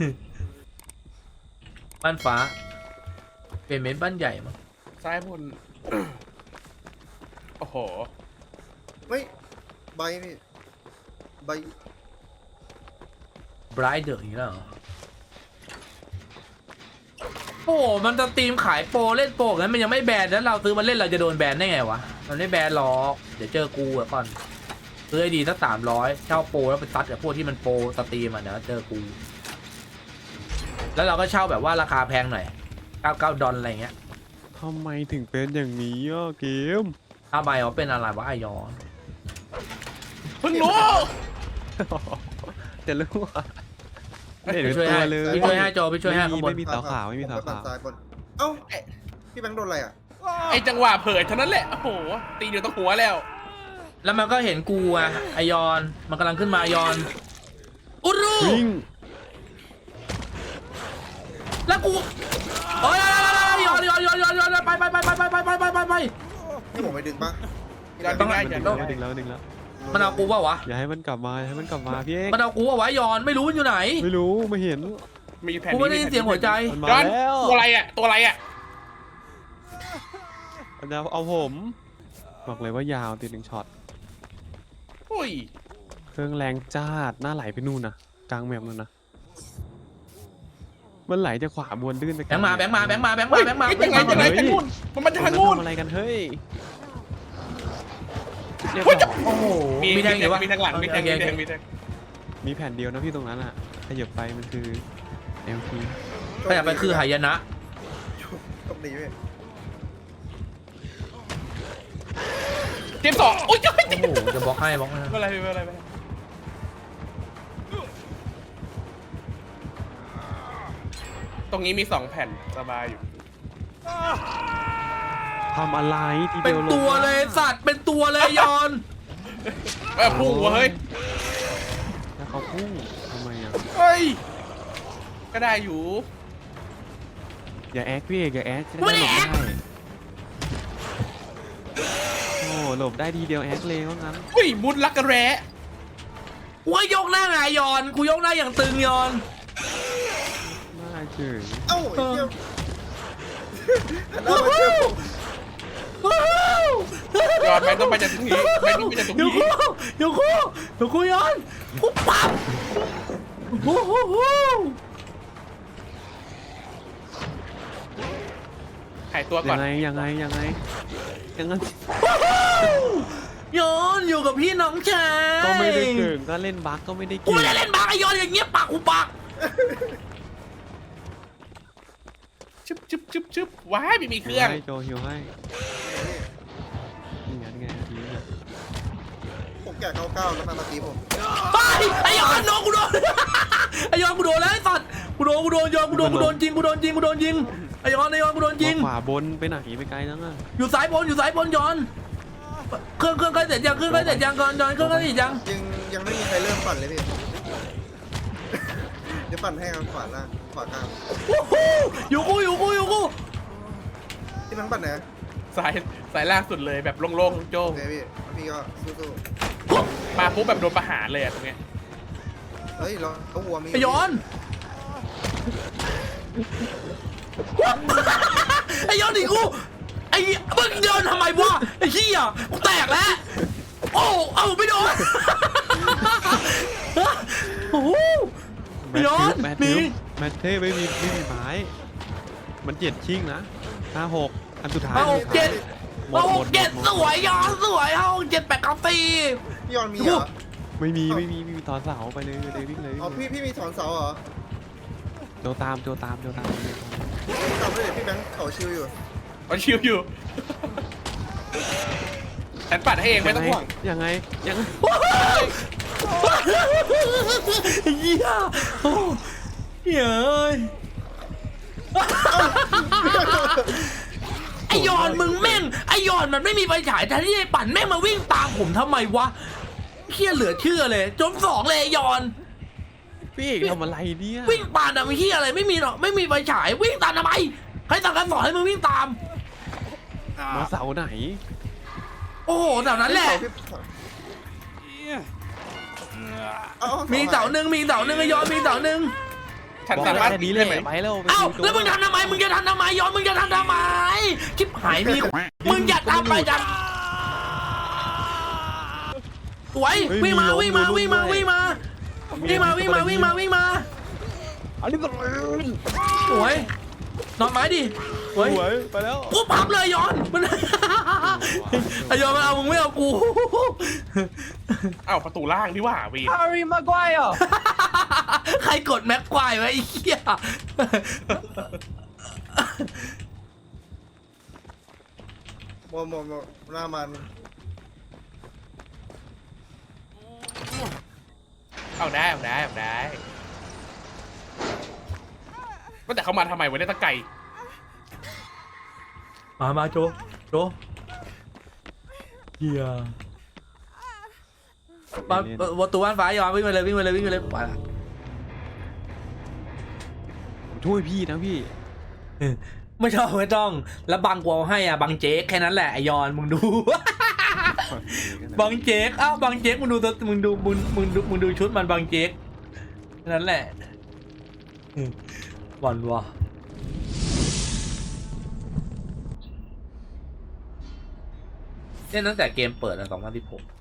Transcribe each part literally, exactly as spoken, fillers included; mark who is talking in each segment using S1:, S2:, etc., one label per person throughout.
S1: บ้านฟ้าเป็นเมนบ้านใหญ่มั้ง
S2: ซ้ายบน โอ้โห
S3: ไม่ใบพี่ใบ
S1: ไบรท์เดอร์อีกแล้วเหรอโอ้มันจะตีมขายโปรเล่นโปรงั้นมันยังไม่แบนแล้วเราซื้อมาเล่นเราจะโดนแบนได้ไงวะมันไม่แบนหรอกเดี๋ยวเจอกูอะก่อนซื้อไอดีสักสามร้อยเช่าโปรแล้วไปซัดกับพวกที่มันโปรสตรีมอะเดี๋ยวเจอกูแล้วเราก็เช่าแบบว่าราคาแพงหน่อยเก้าเก้าดอลอะไรเงี้ย
S4: ทำไมถึงเป็นอย่างนี้อ่ะเกม
S1: ถ้าใบเขาเป็นอะไรวะไอยอน
S2: เพิ่งรู้
S4: จะรู้ว่าไม่เห็น
S1: พี่
S4: เป็น
S1: ช่วย
S4: ตัว
S1: ให้
S4: เลย
S1: พี่ช่วยให้โจพี่ช่วยให้
S4: ไม่
S1: ข้างบน
S4: มีไม่มีสาวขาวไม่มีสาว
S3: ผมปั่
S4: ขาน ว
S3: ซ้ายบนเอ้าพี่แบงค์โดนอะไรอ่ะ
S2: ไอจังหวะเผยเท่านั้นแหละ โอ้โห ตีเดียวต้องหัวแล้ว
S1: แล้วมันก็เห็นกูอะไอยอนมันกำลังขึ้นมาไอยอนอุรุ
S4: วิ่ง
S1: แล้วกูโอ้ยยอนยอนยอนยอนยอนไปไปไปไปไปไปไปไปไป
S3: นี่ผมไปดึงปะ
S2: ยอนดึงได้
S4: ดึ
S2: ย
S4: ง
S2: อน
S4: แล้
S2: ดึ
S4: ว
S2: งได้
S4: ดึงแล้วดึงแล้ว
S1: มันเอากูว่าวะ
S4: อย่าให้มันกลับมาอย่าให้มันกลับมาพี่เอก
S1: มันเอากูว่าวะยอนไม่รู้มันอยู่ไหน
S4: ไม่รู้ไม่เห็น
S2: มีแผ่น
S1: กูไม่ได้ยินเสียงหัวใจ
S4: มันมา
S2: ย้อน
S4: แล้ว
S2: ตัวอะไรอ่ะ ตัวอะไรอ่ะ
S4: มันจะเอาผมบอกเลยว่ายาวตีหนึ่งช็อต
S2: อุ้ย
S4: เครื่องแรงจ้าดหน้าไหลไปนู่นนะกลางแมปนู่นนะมันไหลจากขวาบนลื่นไป
S1: แบงค์มาแบงค์มาแบงค์มาแบงค์มาแบงค์มา
S2: เฮ้ยยังไงยังไงทางนู้นมันมาจากทางนู้น
S4: ทำอะไรกันเฮ้ยเรียบ
S2: เฮ้ยจะ
S4: ร้อย
S1: โอ้โห
S2: มี
S1: มี
S2: มี
S1: แทงอยู่วะ
S2: มีทางหลังมีแทงมีแทงมีแทง
S4: มีแผ่นเดียวนะพี่ตรงนั้นอ่ะขยับไปมันคือ เอล ที
S1: ขยับไปคือหายนะ
S3: ตบดีพี่
S2: เกมสองอุ้ย
S1: โอ้โหจะบล็อกให้บล็อกให้
S2: ไม่เป็นไรไม่เป็นไรไม่เป็นไรตรงนี้มีสองแผ่นสบายอยู่
S4: ทำอะไรที
S1: เป็
S4: เดี
S1: น
S4: ยวลง
S1: ตัวเลยสัตว์เป็นตัวเลยยอน
S2: เออพุ่งหัวเฮ้ย
S4: แล้วเขาพุ่งทำไมอ่ะ
S2: เฮ้ย ก็ได้อยู่
S4: อย่าแอคพี่เอกอย่าแอคจะได้หลบได้โอ้หลบได้ทีเดียวแอคเลยว่างั้น
S2: อุ้ยมุดลักกระแร้
S1: กูก็ยกหน้าไงยอนกูยกหน้าอย่างตึงยอน
S4: น่าเฉย
S3: เอ้าไอ้เหี้ยหันหน้ามาเจอผม
S2: ยอดไม่ต้องไปจากตรงนี้ไม่ต้องไปจากตรง
S1: เดี๋ยว
S2: นี้
S1: กูเดี๋ยวกูเดี๋ยวกูยอนกูปั๊บโอ้โห
S2: หายตัวก่อ
S4: ยั
S2: น
S4: งไงยังไงยังไงยังไง
S1: ยอนอยู่กับพี่น้องชาย
S4: ก็ไม่ได้เก่งก็เล่นบั๊กก็ไม่ได้
S1: กู
S4: เก่ง
S1: ไม่ได้เล่นบาไอยอนอย่างเงี้ยปากกูปาก
S2: ชึบชึบชึบชึบว้ายไม่มีเครื่อง
S4: ให้โจฮิวให้นี่ไงนี่ไงทีนี้
S3: ผมแก่เก้าเก้าแล้วมามาตีผม
S1: ไปไอยอนโดนกูโดนไอยอนกูโดนแล้วไอสัตว์กูโดนกูโดนยอนกูโดนกูโดนจริงกูโดนจริงกูโดนยิงไอยอนไอยอนกูโดนยิง
S4: ขวาบนไปไหนไปไกลจังอ่ะ
S1: อยู่สายบนอยู่สายบนยอนเครื่องเครื่องใกล้เสร็จยังเครื่องใกล้เสร็จยังก่อนยอนเครื่องใกล้เสร็จยัง
S3: ยังยังไม่มีใครเริ่มปั่นเลยพี่ เดี๋ยวปั่นให้ครับขวาล่างขวากลาง
S1: โอ้โหอยู่กูอยู่กูอยู่กู
S3: ที่มันปั่นไหน
S2: สายสายล่างสุดเลยแบบโล่งๆโจ้
S3: โอง เคพี่พี่ก็สู้
S2: มาปุ๊บแบบโดนประหารเลยอะตรงเนี้ย
S3: ๆเฮ้ยเราเขาวัวมี
S1: ไอยอนไอยอนดิกูไอ้มึงโดนทำไมวะไอ้เหี้ยกูแตกแล้วโอ้เอาไม่โดนโอ้โห
S4: แมท
S1: ย้อน
S4: ทิปแมท
S1: มี
S4: ทิปแมทเท่ไม่มีไม่มีไม้มันเจ็ดชิงนะห้าหกอันสุดท้าย
S1: ห้าหกเจ็ด
S4: หม
S1: ห้า
S4: ด
S1: ห
S4: หม
S1: ก
S4: ด
S1: เจ็ด
S4: หมด
S1: สวยยอนสวยห้าหกเจ็ดแปดเก้าสี่
S3: พี่ยอนมีเหรอ
S4: ไม่มีไม่มีไม่มีต่อเสาไปเลยเลยวิ่งเลย
S3: อ๋อพี่พี่มีถอนเสาเหรอ
S4: โจตามโจตามโจตาม
S3: จำได้เลยพี่แบงค์เขาชิวอยู่
S2: มันชิวอยู่ ฉันปัดให้เองไม่ต้องห่วง
S4: ยังไงยังไง
S1: เหี้ยโอ้เหี้ยเอ้ยไอยอนมึงแม่งไอยอนมันไม่มีไฟฉายแทนที่ไอ้ปั่นแม่งมาวิ่งตามผมทำไมวะเหี้ยเหลือเชื่อเลยจนสองเลยไอยอน
S4: พี่เอกทำอะไรเนี่ย
S1: วิ่งตามทำเหี้ยอะไรไม่มีหรอกไม่มีไฟฉายวิ่งตามทำไมใครสั่งการสอนให้มึงวิ่งตาม
S4: มาเสาไหน
S1: โอ้โหแถวนั้นแหละ
S3: เอาเอา
S1: มีเสาหนึ่งมีเสาหนึ่งไอยอนมีเสาหนึ่ง
S2: ฉฉัน
S4: บอก
S2: สามารถ
S4: แค่นี้เลยไปแล้วไป
S1: เอ้า
S4: ดู
S1: แล้วมึงทำทำไมมึงจะทำทำไมย้อนมึงจะทำทำไมชิบหายมีมึงอย่าทำไปจังสวยวิ่งมาวิ่งมาวิ่งมาวิ่งมาวิ่งมาวิ่งมาวิ่งมาวิ่งมา
S4: อันนี้ก็
S1: สวยนอนไม้ดิสวย
S4: สวยไปแล้ว
S1: กูพับเลยย้อนมันไอย้อนมันเอามึงไม่เอากู
S2: เอ้าประตูล่างดีว่าวี
S3: ฮาร์รี่มาไกวร์
S1: ใครกดแม็กควายไว้ไอ้เหี้ย
S3: โมโมโมหน้ามัน
S2: เอาได้เอาได้เอาได้ก็แต่เขามาทำไมวะเนี่ยตะไก่
S1: มามาโจโจเหี้ยมาประตูบ้านฟ้ายอมวิ่งไปเลยวิ่งไปเลยวิ่งไปเลยไปละ
S4: ช่วยพี่นะพี่
S1: ไม่ต้องไม่ต้องแล้วบังกวาให้อ่ะบังเจ๊กแค่นั้นแหละไอยอนมึงดู บังเจ๊กอ้าวบังเจ๊กมึงดูตัวมึงดูมึงมึงดูมึงดูชุดมันบังเจ๊กแค่นั้นแหละหวันวะเล่นตั้งแต่เกมเปิดอะสองพันสิบหก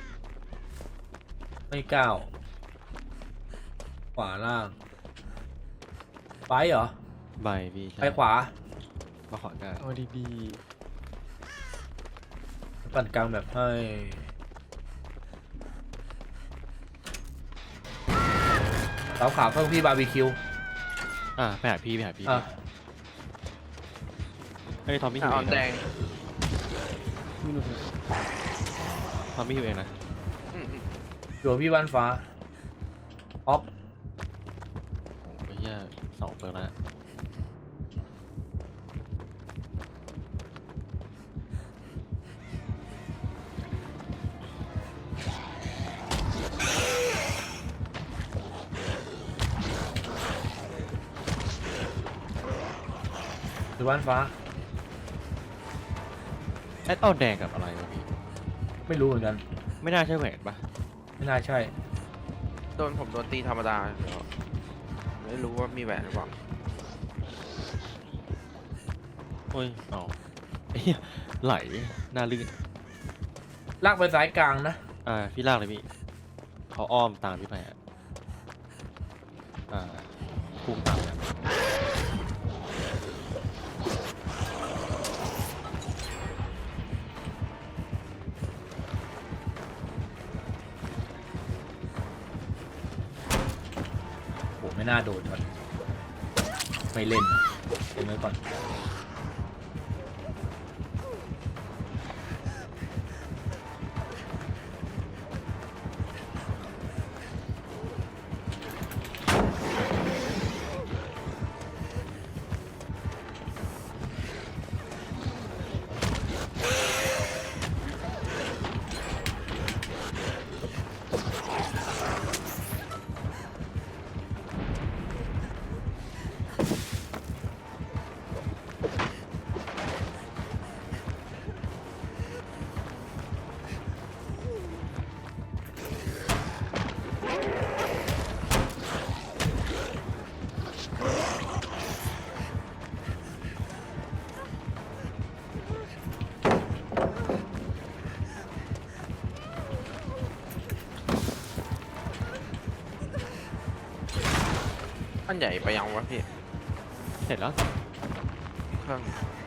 S1: ไม่ก้าวขวาล่างไปเหรอ
S4: ใบพี่ใช่
S1: ไปขวา
S4: มาขอได้เอาดี
S1: ปั่นกลางแบบให้เสาขาวเพิ่มพี่บาร์บีคิว
S4: ๆอ่ะไปหาพี่ไปหาพี่
S1: อ่ะ
S4: เฮ้ยทอมมี่หิว
S3: อ่
S4: เอ
S3: อน
S4: ง
S3: แด
S4: นะ
S3: ง
S4: ทอมมี่หิวเองนะ
S1: อยู่กับพี่บ้านฟ้าออฟ
S4: โอ้ยเหี้ยสองเปิดแล้ว
S1: อยู่บ้านฟ้า
S4: ไอ้ต้นแดงกับอะไรวะพี่
S1: ไม่รู้เหมือนกัน
S4: ไม่น่าใช่แหวนปะ
S1: ไม่น่าใช่
S3: โดนผมโดนตีธรรมดาเดี๋ยวไม่รู้ว่ามีแหวนหรือเปล่า
S4: โอ้ยอ๋อไอ้เหี้ยไหลหน้าลื่น
S1: ลากไปสายกลางนะ
S4: อ่าพี่ลากเลยพี่เขาอ้อมตามพี่ไปอ่ะอ่าพุ่งตามนะ
S1: โหไม่น่าโดนก่อนไม่เล่นเล่นไว้ก่อน
S3: อันใหญ่ไปยังวะพี่
S4: เสร็จแล้ว
S3: เครื่อง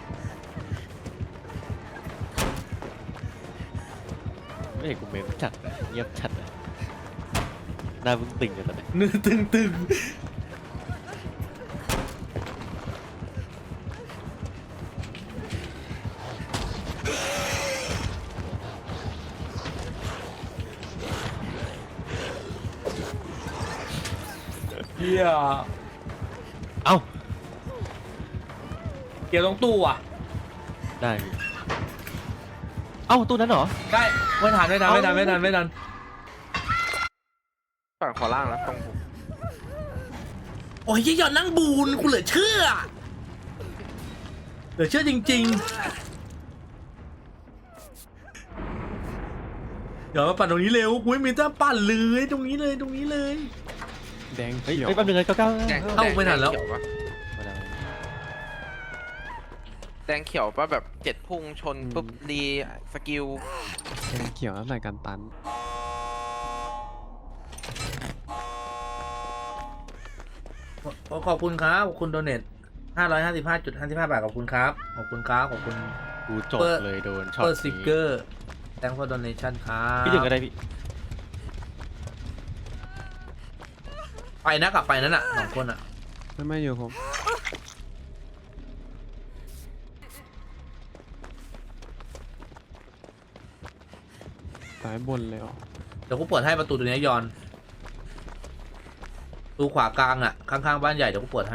S4: ไม่เห็นกูเมมจัดนะเงียบจัดนะหน้าบึ้งตึงกันตอนนี้
S1: เนื้อตึงตึงเฮีย
S4: เอ้า
S1: เกี่ยวตรงตู้อ่ะ
S4: ได้พี่เอ้าตู้นั้นเหรอ
S1: ได้ไม่ทันไม่ทันไม่ทันไม่ทันไม่ทัน
S3: ฝั่งขวาล่างนะตรงผม
S1: โอ้ยยี่หยอดนั่งบูนกูเหลือเชื่อเหลือเชื่อจริงๆเดี๋ยวมาปั่นตรงนี้เร็วกูไม่มีท่าปั่นเลยตรงนี้เลยตรงนี้เลย
S2: แดง
S4: เฮ้ย
S2: เขียว
S4: เฮ้ยแป๊บนึงเลยเก้าเก้า
S3: แดง
S1: เข้าไม่ทันแล้ว
S3: แดงเขียปะแดงเขียวปะแบบเจ็ดพุ่งชนปุ๊บรีสกิล
S2: แดงเขียวแล้วใส่กันตัน
S1: ขอขอบคุณครับขอบคุณโดเนทห้าร้อยห้าสิบห้าจุดห้าสิบห้าบาทขอบคุณครับขอบคุณครับขอบคุณ
S4: กูจบเลยโดนช็อต
S1: เปิดสติกเก
S4: นี้
S1: อร์ thank for donation ครับ
S4: พี่ถึงก็ได้พี่
S1: ไปนะกลับไปนั่นน่ะสองคนอ่ะ
S2: ไม่ไม่อยู่ผมสายบนเลยเหรอ
S1: เดี๋ยวกูเปิดให้ประตูตัวนี้ยอนประตูขวากลางอ่ะข้างๆบ้านใหญ่เดี๋ยวกูเปิดให้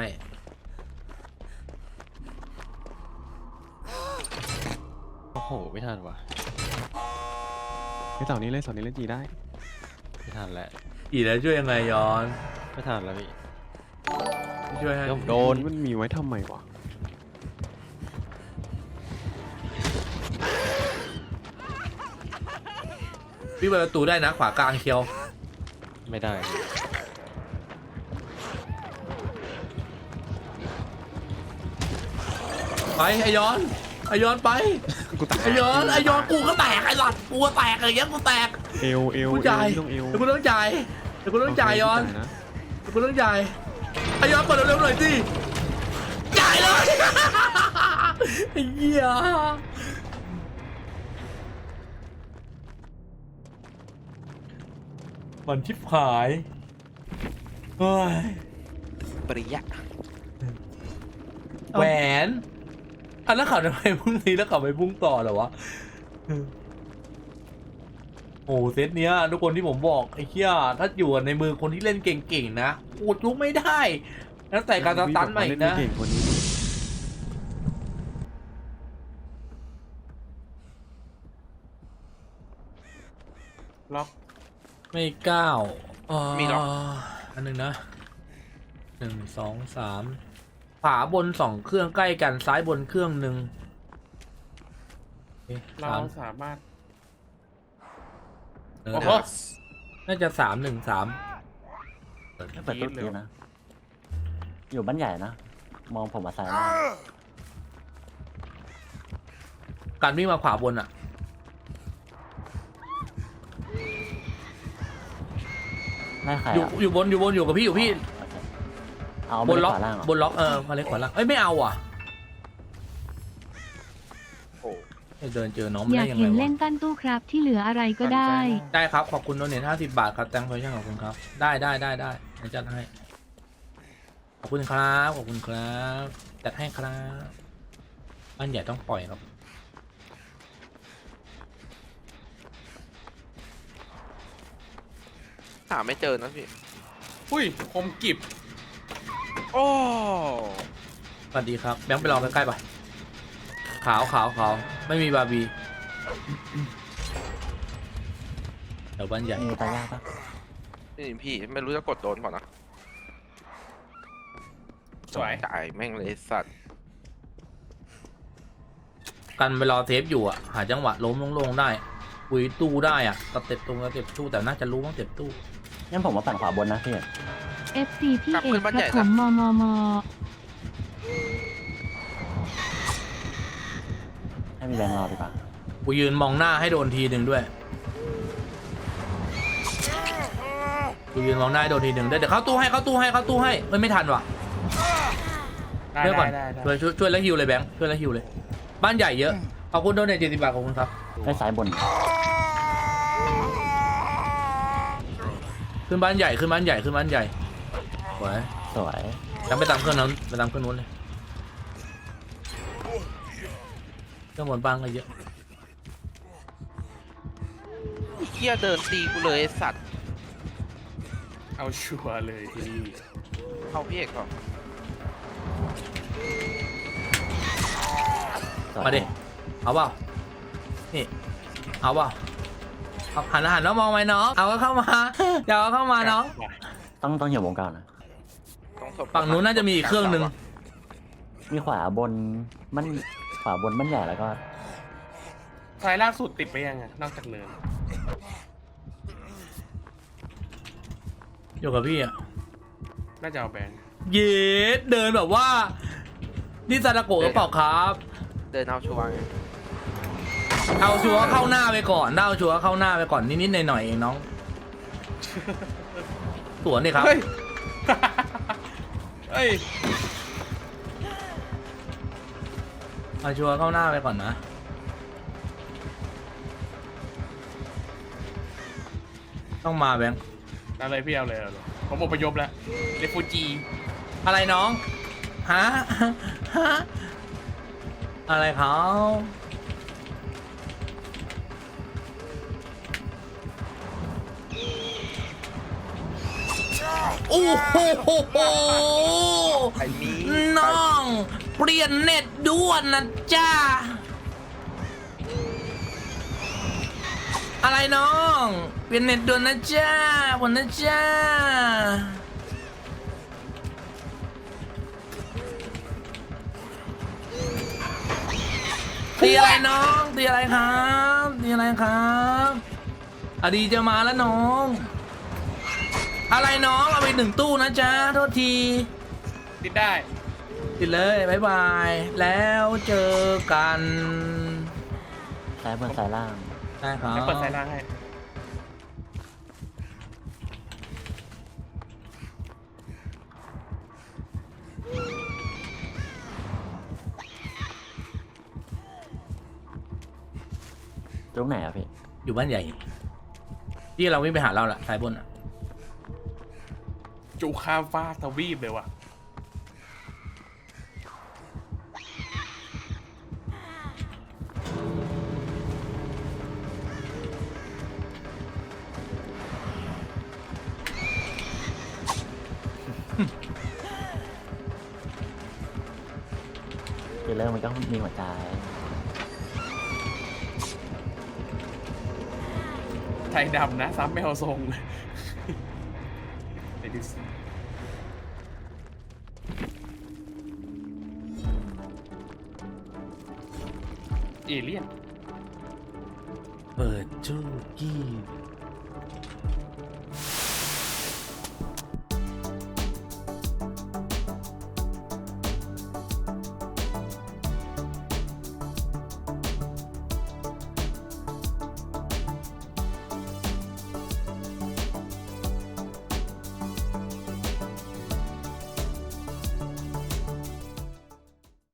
S4: โอ้โหไม่ทันว่ะ
S2: ไอ้เสานี้เลยเสานี้เล่นจีได้
S4: ไม่ทันแล้ว
S1: อีแล้วช่วยยังไงยอน
S4: ไม่ทันแล้วพี่
S1: ช่วยให้
S4: เดี๋ยวผมโดน
S2: มันมีไว้ทำไมวะ
S1: พี่เปิดประตูได้นะขวากลางเคียว
S4: ไม่ได้พี่
S1: ไปไอยอนไอยอนไป
S2: กูตาย
S1: ไอยอนไอยอนกูก็แตกไอ้หลัดกูก็แตกอย่างเงี้ยกูแตก
S2: เอวเอว
S1: กูจ่าย
S2: เอวต้องเอว
S1: เดี๋ยวกูต้องจ่ายเดี๋ยวกูต้องจ่ายยอน
S2: โเคจ่ายนะ
S1: เดี๋ยวกูต้องจ่ายไอยอนเปิดเร็วๆหน่อยสิจ่ายเลย ไอ้เหี้ยมันชิบหายเฮ้ย
S3: ปริยะ
S1: แหวนอ่ะแล้วเขาทำไมพรุ่งนี้แล้วเขาไปพุ่งต่อเหรอวะโอ้เซตเนี้ยทุกคนที่ผมบอกไอ้เหี้ยถ้าอยู่ในมือคนที่เล่นเก่งๆนะอุดลุกไม่ได้แล้วแต่การสตันใหม่
S2: เล่
S1: นะ
S2: ไม่เก่งคนนี้ ล็อก
S1: ไม่ก้าว
S3: มีหรอ
S1: อันหนึ่งนะหนึ่งสองสามขวาบนสองเครื่องใกล้กันซ้ายบนเครื่องหนึ่งโอเค
S2: เรา
S1: สาม
S2: สามารถ
S1: เออ
S2: โอ้โห
S1: น่าจะสามหนึ่งสาม
S5: เปิดตู้ดีนะ อยู่บ้านใหญ่นะ มองผมมาซ้ายล่าง
S1: การวิ่งมาขวาบนอ่ะ
S5: ไม่ใคร
S1: อยู่
S5: อ่ะ
S1: อยู่บนอยู่บนอยู่กับพี่อยู่พี่
S5: โอเคเอา
S1: บ
S5: ไม่
S1: น
S5: ได้
S1: ล็อก
S5: ขวาล่างเหรอบ
S1: นล็อกเออมาเล็กขวาล่างเอ้ยไม่เอาอ่ะ
S3: โอ้
S1: เดินเจอน้องมัน
S6: อยา
S1: ได้
S6: ก
S1: ยัง
S6: เห็
S1: ไง
S6: นเล่
S1: วะ
S6: นกั้นตู้ครับที่เหลืออะไรก็ได้
S1: ได้ครับขอบคุณโดเนทห้าสิบบาทครับแตงเพลชั่นขอบคุณครับได้ได้ได้ได้เดี๋ยวจัดให้ขอบคุณครับขอบคุณครับจัดให้ครับบ้านใหญ่ต้องปล่อยครับ
S3: หาไม่เจอนะพี่
S2: อุ้ยคมกิบ
S3: โอ้
S1: สวัสดีครับแบงค์ไปรอใกล้ๆป่ะขาวขาวขาวไม่มีบาร์บีเดี๋ยวบ้านใหญ่
S5: มีตายากปะ
S3: นี่พี่ไม่รู้จะกดโดนก่อนนะ
S2: สวย
S3: จ่ายแม่งเลยสัตว์
S1: กันไปรอเทปอยู่อ่ะหาจังหวะล้มลงๆได้คุยตู้ได้อ่ะสเต็ปตรงสเต็ปตู้แต่น่าจะรู้ว่าสเต็ปตู้
S5: งั้นผมมาปั่นขวาบนนะพี่
S6: เอฟ ซี พี่เอกครับผมมมม
S5: ให้มีแรงรอดีกว่า
S1: กูยืนมองหน้าให้โดนทีหนึ่งด้วยกูยืนมองหน้าให้โดนทีหนึ่งได้เดี๋ยวเข้าตู้ให้เข้าตู้ให้เข้าตู้ให้เฮ้ยไม่ทันว่ะ
S2: ได้
S1: ช่วยก่อน
S2: ได้ได้
S1: ช่วยช่วยช่วยแล้วฮิวเลยแบงค์ช่วยแล้วฮิวเลยบ้านใหญ่เยอะขอบคุณโดเนทเจ็ดสิบบาทขอบคุณครับ
S5: ได้ซ้ายบน
S1: ขึ้นบ้านใหญ่ขึ้นบ้านใหญ่ขึ้นบ้านใหญ่สวย
S5: สวย
S1: ยังไปตามเครื่องนั้นไปตามเครื่องนู้นเลยเครื่องบนบ้านก็เยอะ
S3: เฮียเดินตีกูเลยไอ้สัตว์
S2: เอาชัวร์เลยทีนี้
S3: เข้าพี่เอกก่อน
S5: สวย
S1: มาดิเอาเปล่านี่เอาเปล่าเอาหันหันแล้วมองไหมน้องเอาก็เข้ามาอย่าเอาเข้ามาน้อง
S5: ต้องต้องอยู่วงกลางนะ
S3: ต้องศพ
S1: ฝั่งนู้นน่าจะมีอีกเครื่องหนึ่ง
S5: มีขวาบนมันขวาบนบ้านใหญ่แล้วก็
S2: ซ้ายล่างสุดติดไปยังไงนอกจากเนิน
S1: อยู่กับพี่อ่ะ
S2: น่าจะเอาแบน
S1: เย็ดเดินแบบว่านี่ซาดาโกะหรือเปล่าครับ
S3: เดินเอาชัวร์ไง
S1: เอาชัวร์เข้าหน้าไปก่อนเอาชัวร์เข้าหน้าไปก่อนนิดๆหน่อยๆเองน้องสวนดิครับ
S2: เฮ้ย เฮ้ย
S1: เอาชัวร์เข้าหน้าไปก่อนนะต้องมาแบงค์
S2: เอาเลยพี่เอาเลยเอาเลยผมอพยพแล้วเรฟูจี
S1: อะไรน้องฮะฮะอะไรเขาโอ้โห
S3: ไอ้มี
S1: น้องเปลี่ยนเน็ตด่วนนะจ้าอะไรน้องเปลี่ยนเน็ตด่วนนะจ้าผมนะจ้าตีอะไรน้องตีอะไรครับตีอะไรครับอดีจะมาแล้วน้องอะไรน้องเอาไปหนึ่งตู้นะจ๊ะโทษที
S2: ติดได้
S1: ติดเลยบายบายแล้วเจอกัน
S5: ซ้ายบนซ้ายล่าง
S1: ได้ครับ
S2: แล้วเปิดสายล่างให้
S5: ตรงไหนอะพี่
S1: อยู่บ้านใหญ่ที่เราวิ่งไปหาเราละสายบนอ่ะ
S2: จูข้ามฟ้าทวีปเลยว่ะ
S5: เดี๋ยวเริ่มมันก็มีหัวใจ
S2: ไทยดำนะซ้ำไม่เอาทรงไปดูสิเอเลี่ยน
S1: เปิดจูกี้